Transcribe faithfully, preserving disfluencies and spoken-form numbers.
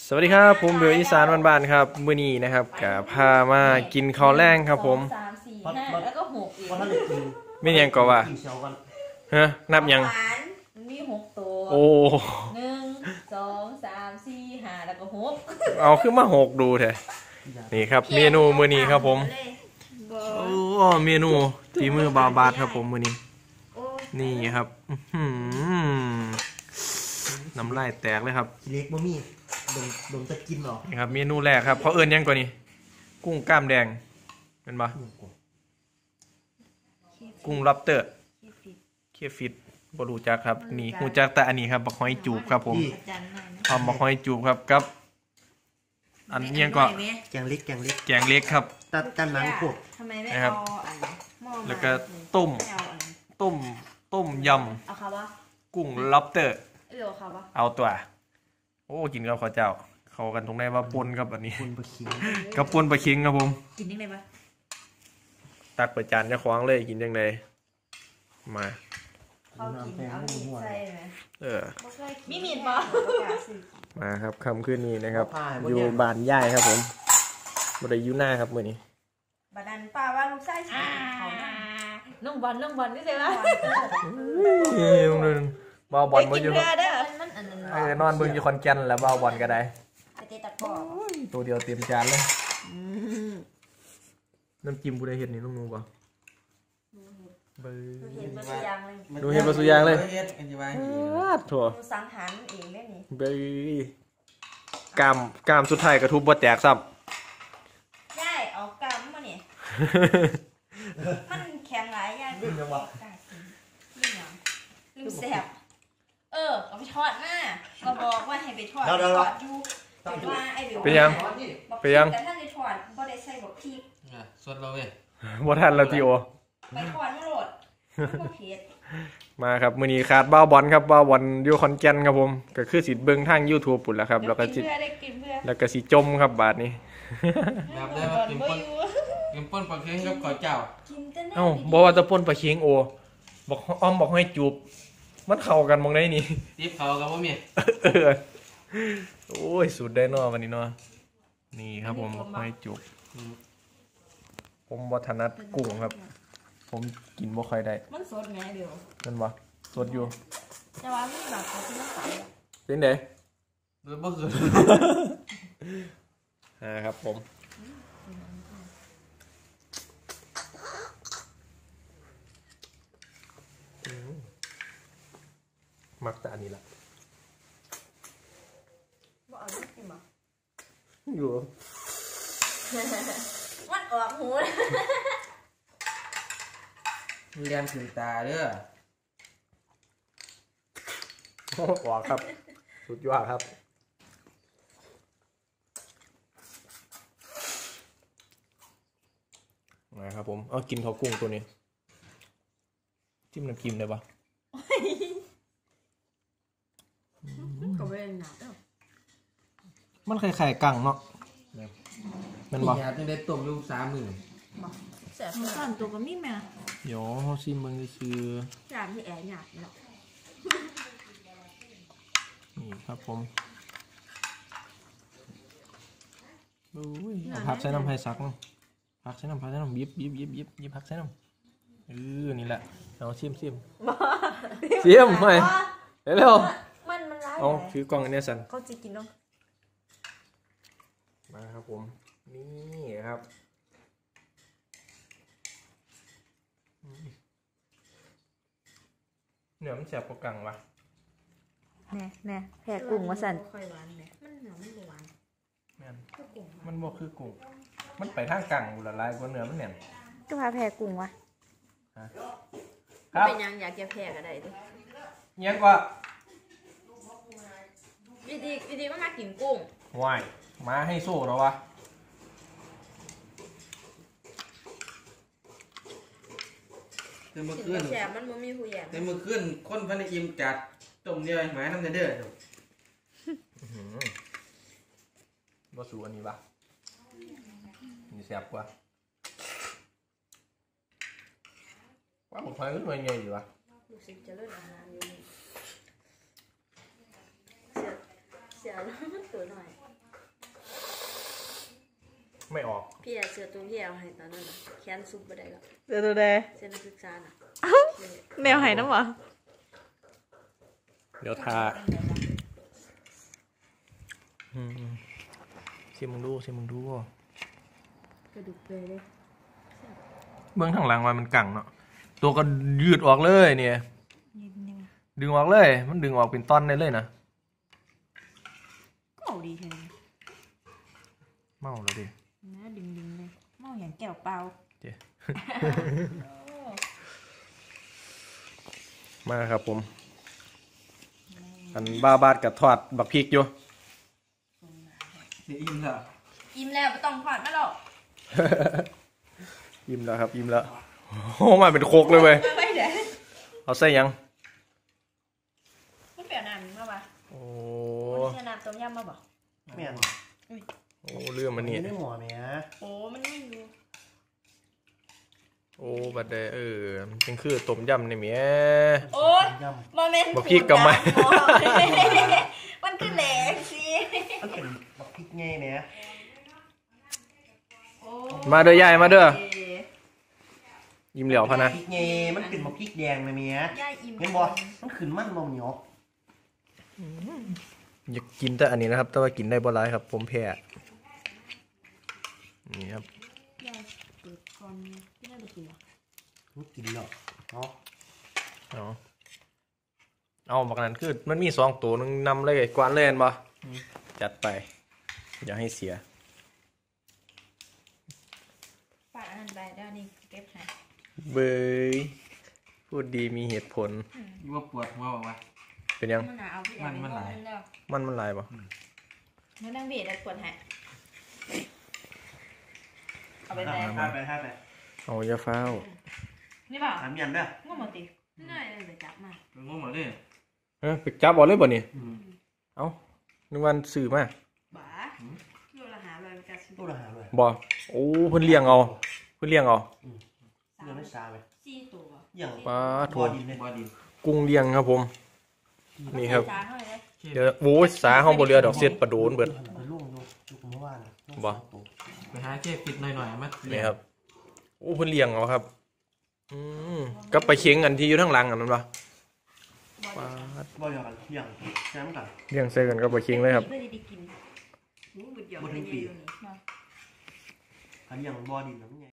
สวัสดีครับผมเบลอีสานบ้านๆครับมื้อนี้นะครับกับพามากินข้าวแรงครับผมสามสี่ห้าแล้วก็หกอีกไม่ยังก็ว่าฮะนับยังมันมีหกตัวโอ้หนึ่งสองสามสี่ห้าแล้วก็หกเอาขึ้นมาหกดูเถอะนี่ครับเมนูมื้อนี้ครับผมโอ้เมนูฝีมือบาบาดครับผมมื้อนี้นี่ครับน้ำลายแตกเลยครับเล็กบะหมี่ดมดมจะกินหรอนี่ครับเมนูแรกครับเขาเอิ้นยังกว่านี้กุ้งกล้ามแดงเป็นปะกุ้งล็อบสเตอร์เคฟิตบรูจักครับนี่หูจักแต่อันนี้ครับบักหอยจูบครับผมหอมบักหอยจูบครับกับอันนี้ก็แกงเล็กแกงเล็กแกงเล็กครับตัดกันหนังพวกนะครับแล้วก็ต้มต้มต้มยำกุ้งล็อบสเตอร์เอาตัวโอ้กินกับข้าวเจ้าเข้ากันตรงไหนว่าปนกับอันนี้ปนปลาคิงกับปนปลาคิงครับผมกินยังไงปะตักไปจานจะคว้างเลยกินยังไงมาเขากินเอามีดใส่ไหมเออมีมีดปะมาครับคำขึ้นนี้นะครับอยู่บ้านย่ายครับผมบริยุหน้าครับมือนี้บ้านป้าว่าลูกไส้ฉีดเขาน้องบอลน้องบอลนี่ใช่ไหมบอลบอลเบิ่งอยู่เออนอนเบิ่งอยู่คอนแก่นแล้วบอลบอลก็ได้ตัวเดียวเต็มจานเลยน้ำจิ้มกูได้เห็นนี่ลุงนูป่ะเบอร์ดูเห็นมาสุยางเลยถั่วสังหารเองได้นี่เบอร์กามกามสุดท้ายกระทุบบ่แตกซ้ำใช่เอากามมาเนี่ยมันแข็งหลายอย่างลืมยังวะลืมยังลืมแสบเออเอาไปทอดหน้าก็บอกว่าให้ไปทอดทอดอยู่แต่ว่าไอ้เดี๋ยวไปยังไปยังแต่ท่านในทอดก็ได้ใส่บอกพริกสดเราเว้ยบ่ทันแล้วพี่โอไปทอดไม่โหลดเผ็ดมาครับมื้อนี้ขาดบ้าวบอลครับบ้าวบอลอยู่ขอนแก่นครับผมก็คือสิเบิ่งทาง YouTube ปุ่นแล้วครับแล้วก็สิแล้วก็สิจมครับบาดนี้แบบได้ว่ากินป่นกินป่นปลาเค็งกับข้าวเจ้าเอ้าบ่ว่าจะป่นปลาเค็งโอบอกอ้อมบอกให้จูบมันเข้ากันมองได้นี่ตีบเขากับบ่มีเออโอ้ยสุดได้เนาะวันนี้เนาะนี่ครับผมบอกให้จูบผมบ่ถนัดกุ้งครับผมกินบ่ค่อยได้มันสดไงเดี๋ยวมันบ่สดอยู่แต่ว่ามันแบบเขาที่มันใสเป็นไงบ่คืออ่าครับผมมักแต่อันนี้ละบ่เอาลูกกินบ่อยู่มันออกหูเรียนถึงตาเด้อออกครับสุดยอดครับนะครับผมเอากินข้าวกุ้งตัวนี้จิ้มน้ำจิ้มได้ปะก็ไม่ได้หนักมันคล้ายๆกังเนาะมันบอกอยากจะได้ต้มลูกสามหมื่นแสบสั่นตัวก็มีแม่เดี๋ยวเขาชิมมึงคือจานที่แอบหยาดเนาะนี่ครับผมผักใส่น้ำไผ่ซักเนาะผักใส่น้ำผักใส่น้ำยิบยิบยิบยิบยิบผักใส่น้ำเออนี่แหละเอาชิมชิมชิมไปเร็วมันมันร้ายเอาถือกล่องอันนี้สันเขาจะกินเนาะมาครับผมนี่ครับเนื้อมันแสบกว่ากังวะแน่แน่แผ่กุ้งว่าสันค่อยหวานเนี่ยมันเนื้อมันหวานมันบ่คือกุ้งมันไปทางกังบุละลายกว่าเนื้อมันเนี่ยก็พาแผ่กุ้งวะครับเป็นยังอยากจะแผ่ก็ได้ดิเงี้ยกว่าวิธีวิธีมันมากินกุ้งวายมาให้สู้หรอวะแต่เมื่อคืนแฉมันมันมีผู้แย่แต่เมื่อคืนคนพันอิ่มจัดต้มเดียวหมายน้ำเด้อบ่สูอันนี้ปะนี่แซ่บกว่าว่าผมพายก็หน่วยใหญ่อยู่วะรู้สึกจะเลิกอาหารอยู่เสียเสียแล้วมันตัวหน่อยไม่ออกพี่อะเสือตัวพี่เอาให้ตอนนั้นน่ะแค้นซุปไปได้แล้วเสือตัวแดงเสือนักศึกษาน่ะแมวหายน้ำหรอเดี๋ยวทาอืมชิมมึงดูชิมมึงดูกระดูกเปรย์เลยเบื้องทางหลังมันมันกังเนาะตัวก็ยืดออกเลยเนี่ยนิดนึงดึงออกเลย มันดึงออกเป็นตอนได้เลยนะก็เอาดีแค่นี้เมาแล้วดินะดึงดึงเลยเมาอย่างแก้วเปล่าเจ๊ มาครับผมอันบ้าบาดกับทอดบักพริกอยู่เสียอิ่มแล้วอิ่มแล้วไม่ต้องทอดนะหรอกยิ้มแล้วครับยิ้มแล้วโอ้มาเป็นโคกเลยเว้ยไม่เดี๋ยวเอาใส่ยังมันเปลี่ยนน้ำมาปะโอ้มันจะน้ำต้มยำมาบอกแม่นโอ้เรื่องมันนี่ได้หมอแม่โอ้มันไม่รู้โอ้บัดเดเออมันเป็นคือต้มยำนี่แหม่โอ้ยยโมเมนต์บอกพี่กลับมามันคือแหลกสิำมันเป็นบักพริกไงแม่โอ้มาเด้อยายมาเด้อยิ้มเหลียวพะนะพริกไงมันเป็นบักพริกแดงนะแม่ย่าอิ่มเห็นบ่มันขึ้นมันบ่เหนียวอยากกินแต่อันนี้นะครับ แต่ว่ากินได้บ่หลายครับ ผมแพ้นี่ครับย่าเปิดก่อนที่น่าจะกินหรอมันกินแล้วเนาะเอาเอาบักนั้นคือมันมีสองตัวนึงนำเลยกวนเลยเห็นบ่จัดไป อย่าให้เสียฝากอันนั้นไปได้นี่เก็บให้เบยพูดดีมีเหตุผลยี่ว่าปวดหัวบอกว่าเป็นยังมันหนาเอาพี่มันมันหลายแล้วมันมันลายปะมันนั่งเบียดแล้วปวดให้เอาไปไหนท่าไปท่าไปเอาอย่าฟ้าวนี่เปล่าถามยันเด้อง่วงหมดติง่ายเลยจับมาเป็นงงหมดเลยเอ้ยไปจับเอลเลยบ่นี่อืมเอานึกวันสื่อมาบ้าโลละหาเลยมันจะซื้อตู้ละหาเลยบ่โอ้เพิ่นเลี้ยงเอาเพิ่นเลี้ยงเอาเรื่องไม่ซาเลยสี่ตัวอย่างปลาทัถั่ววดินเลยบอดินกุ้งเลี้ยงครับผม นี่ครับจ้าเท่าไหร่เลยเดี๋ยวโอ้ยสาห้องบ่เรือดอกเสียดปลาโดนเบิดไปล่วงอยู่จุกเมื่อวานน่ะล่วงบ่สองตัวไปหาเก็บปิดหน่อยๆมานี่ครับโอ้เพิ่นเลี้ยงเอาครับอืมกับไปลาเค็งอันที่อยู่ทางหลังอันนั้นปะปลาบ่อยกันอย่างแซมกันเลี้ยงใส่กันกับไปลาเค็งเลยครับเพื่อจะได้กินรู้บุดหยอกไปเยอะอยู่นี่อันอย่างบ่อดินน้ำไง